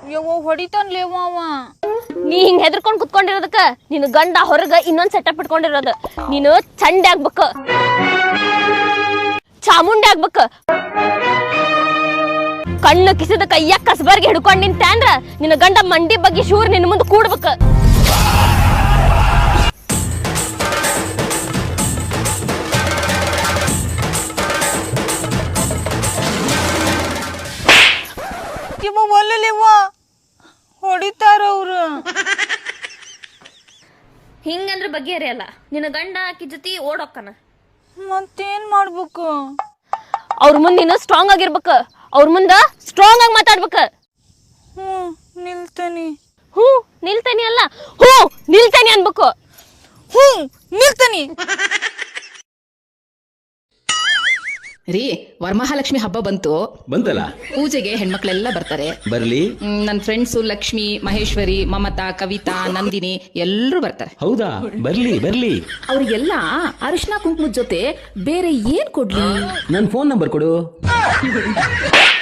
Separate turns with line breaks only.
ಯವ್ವ ಹೊಡಿತಾನ್ಲೇವ ಅವ.
ನೀ ಹಿಂಗ್ ಹೆದರ್ಕೊಂಡ್ ಕುತ್ಕೊಂಡಿರೋದಕ್ಕ ನಿನ್ ಗಂಡ ಹೊರಗ ಇನ್ನೊಂದ್ ಸೆಟಪ್ ಇಟ್ಕೊಂಡಿರೋದು. ನೀನು ಚಂಡೆ ಆಗ್ಬೇಕ, ಚಾಮುಂಡಿ ಆಗ್ಬೇಕ. ಕಣ್ಣು ಕಿಸಿದ ಕೈಯಾಗ ಕಸಬರ್ಗೆ ಹಿಡ್ಕೊಂಡ್ ನಿಂತೆ ಅಂದ್ರ ನಿನ್ನ ಗಂಡ ಮಂಡಿ ಬಗ್ಗೆ ಶೂರ್ ನಿನ್ ಮುಂದೆ ಕೂಡ್ಬೇಕ.
ಯವ್ವ ಒಲ್ಲಲೇವ ಹೊಡಿತಾರ ಅವ್ರು.
ಹಿಂಗಂದ್ರ ಬಗೆಹರಿಯಲ್ಲ. ನಿನ್ನ ಗಂಡ ಆಕಿ ಜೊತೆ ಓಡೋಕ್ಕನ.
ಮತ್ತೇನ್ ಮಾಡ್ಬೇಕು?
ಅವ್ರ ಮುಂದೆ ನೀನು ಸ್ಟ್ರಾಂಗ್ ಆಗಿರ್ಬೇಕ. ಅವ್ರ ಮುಂದ ಸ್ಟ್ರಾಂಗ್ ಆಗಿ ಮಾತಾಡ್ಬೇಕ.
ನಿಲ್ತಾನಿ.
ನಿಲ್ತಾನಿ ಅಲ್ಲ, ನಿಲ್ತಾನಿ ಅನ್ಬೇಕು.
ನಿಲ್ತಾನಿ.
ರೀ, ವರಮಹಾಲಕ್ಷ್ಮಿ ಹಬ್ಬ ಬಂತಲ್ಲ. ಪೂಜೆಗೆ ಹೆಣ್ಮಕ್ಳೆಲ್ಲ ಬರ್ತಾರೆ. ಬರ್ಲಿ. ನನ್ನ ಫ್ರೆಂಡ್ಸು ಲಕ್ಷ್ಮಿ, ಮಹೇಶ್ವರಿ, ಮಮತಾ, ಕವಿತಾ, ನಂದಿನಿ ಎಲ್ಲರೂ ಬರ್ತಾರೆ.
ಹೌದಾ? ಬರ್ಲಿ.
ಅವ್ರಿಗೆಲ್ಲ ಅರಿಶಿನ ಕುಂಕುಮದ ಜೊತೆ ಬೇರೆ ಏನ್ ಕೊಡ್ಲಿ?
ನನ್ನ ಫೋನ್ ನಂಬರ್ ಕೊಡು.